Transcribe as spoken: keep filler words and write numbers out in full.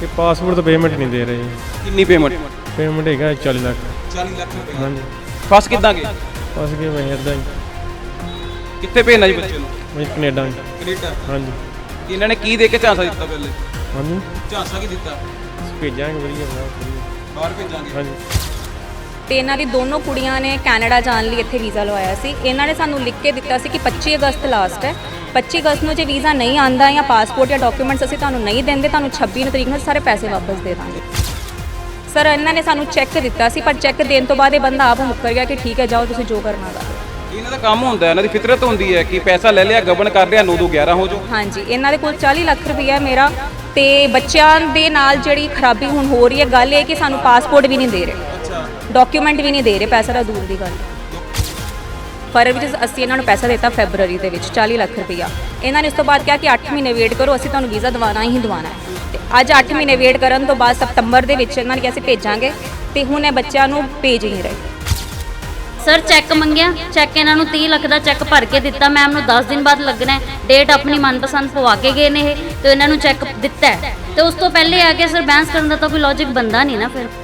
ਇਹ ਪਾਸਪੋਰਟ ਤਾਂ ਪੇਮੈਂਟ ਨਹੀਂ ਦੇ ਰਹੇ। ਕਿੰਨੀ ਪੇਮੈਂਟ? ਪੇਮੈਂਟ ਹੈਗਾ ਚਾਲੀ ਲੱਖ। ਚਾਲੀ ਲੱਖ ਰੁਪਏ? ਹਾਂਜੀ। ਫਸ ਕਿੱਦਾਂ ਗਏ? ਫਸ ਗਏ ਮੈਂ ਇੱਦਾਂ ਹੀ। ਕਿੱਥੇ ਭੇਜਣਾ ਜੀ ਬੱਚੇ ਨੂੰ? ਮੈਂ ਕੈਨੇਡਾ। ਕੈਨੇਡਾ? ਹਾਂਜੀ। ਇਹਨਾਂ ਨੇ ਕੀ ਦੇ ਕੇ ਝਾਂਸਾ ਦਿੱਤਾ ਪਹਿਲੇ? ਹਾਂਜੀ। ਝਾਂਸਾ ਕੀ ਦਿੱਤਾ? ਭੇਜਾਂਗੇ ਵਧੀਆ ਬਾਹਰ ਭੇਜਾਂਗੇ। ਹਾਂਜੀ। ਤੇ ਇਹਨਾਂ ਦੀ ਦੋਨੋਂ ਕੁੜੀਆਂ ਨੇ ਕੈਨੇਡਾ ਜਾਣ ਲਈ ਇੱਥੇ ਵੀਜ਼ਾ ਲਵਾਇਆ ਸੀ। ਇਹਨਾਂ ਨੇ ਸਾਨੂੰ ਲਿਖ ਕੇ ਦਿੱਤਾ ਸੀ ਕਿ ਪੱਚੀ ਅਗਸਤ ਲਾਸਟ ਹੈ। ਪੱਚੀ ਅਗਸਤ ਨੂੰ ਜੇ ਵੀਜ਼ਾ ਨਹੀਂ ਆਂਦਾ ਜਾਂ ਪਾਸਪੋਰਟ ਜਾਂ ਡਾਕੂਮੈਂਟਸ ਅਸੀਂ ਤੁਹਾਨੂੰ ਨਹੀਂ ਦਿੰਦੇ, ਤੁਹਾਨੂੰ ਛੱਬੀ ਨੂੰ ਤਰੀਕ ਨੂੰ ਸਾਰੇ ਪੈਸੇ ਵਾਪਸ ਦੇ ਦਾਂਗੇ। ਸਰ ਇਹਨਾਂ ਨੇ ਸਾਨੂੰ ਚੈੱਕ ਦਿੱਤਾ ਸੀ, ਪਰ ਚੈੱਕ ਦੇਣ ਤੋਂ ਬਾਅਦ ਇਹ ਬੰਦਾ ਆਪ ਮੁੱਕਰ ਗਿਆ ਕਿ ਠੀਕ ਹੈ ਜਾਓ ਤੁਸੀਂ ਜੋ ਕਰਨਾ ਕਰੋ। ਇਹਨਾਂ ਦਾ ਕੰਮ ਹੁੰਦਾ, ਇਹਨਾਂ ਦੀ ਫਿਤਰਤ ਹੁੰਦੀ ਹੈ ਕਿ ਪੈਸਾ ਲੈ ਲਿਆ, ਗਬਨ ਕਰ ਲਿਆ, ਨੌ ਦੋ ਗਿਆਰਾਂ ਹੋ ਜਾਓ। ਹਾਂਜੀ, ਇਹਨਾਂ ਦੇ ਕੋਲ ਚਾਲੀ ਲੱਖ ਰੁਪਈਆ ਮੇਰਾ ਤੇ ਬੱਚਿਆਂ ਦੇ ਨਾਲ ਜਿਹੜੀ ਖਰਾਬੀ ਹੁਣ ਹੋ ਰਹੀ ਹੈ, ਗੱਲ ਇਹ ਕਿ ਸਾਨੂੰ ਪਾਸਪੋਰਟ ਵੀ ਨਹੀਂ ਦੇ ਰਹੇ, ਡਾਕੂਮੈਂਟ ਵੀ ਨਹੀਂ ਦੇ ਰਹੇ, ਪੈਸਾ ਤਾਂ ਦੂਰ ਦੀ ਗੱਲ। ਫਰਵਰੀ ਵਿੱਚ ਅਸੀਂ ਇਹਨਾਂ ਨੂੰ ਪੈਸਾ ਦਿੱਤਾ, ਫੈਬਰਵਰੀ ਦੇ ਵਿੱਚ ਚਾਲੀ ਲੱਖ ਰੁਪਈਆ। ਇਹਨਾਂ ਨੇ ਉਸ ਤੋਂ ਬਾਅਦ ਕਿਹਾ ਕਿ ਅੱਠ ਮਹੀਨੇ ਵੇਟ ਕਰੋ, ਅਸੀਂ ਤੁਹਾਨੂੰ ਵੀਜ਼ਾ ਦਿਵਾਉਣਾ ਹੀ ਦਿਵਾਉਣਾ ਹੈ। ਤੇ ਅੱਜ ਅੱਠ ਮਹੀਨੇ ਵੇਟ ਕਰਨ ਤੋਂ ਬਾਅਦ ਸਤੰਬਰ ਦੇ ਵਿੱਚ ਇਹਨਾਂ ਨੇ ਕਿਹਾ ਅਸੀਂ ਭੇਜਾਂਗੇ, ਤੇ ਹੁਣ ਇਹ ਬੱਚਿਆਂ ਨੂੰ ਭੇਜ ਹੀ ਨਹੀਂ ਰਹੇ। ਸਰ ਚੈੱਕ ਮੰਗਿਆ, ਚੈੱਕ ਇਹਨਾਂ ਨੂੰ ਤੀਹ ਲੱਖ ਦਾ ਚੈੱਕ ਭਰ ਕੇ ਦਿੱਤਾ। ਮੈਮ ਨੂੰ ਦਸ ਦਿਨ ਬਾਅਦ ਲੱਗਣਾ ਹੈ, ਡੇਟ ਆਪਣੀ ਮਨਪਸੰਦ ਪਵਾ ਕੇ ਗਏ ਨੇ ਇਹ, ਤੇ ਇਹਨਾਂ ਨੂੰ ਚੈੱਕ ਦਿੱਤਾ ਹੈ। ਤੇ ਉਸ ਤੋਂ ਪਹਿਲੇ ਆ ਕੇ ਸਰ ਬੈਂਸ ਕਰਨ ਦਾ ਤਾਂ ਕੋਈ ਲੌਜਿਕ ਬੰਦਾ ਨਹੀਂ ਨਾ ਫਿਰ।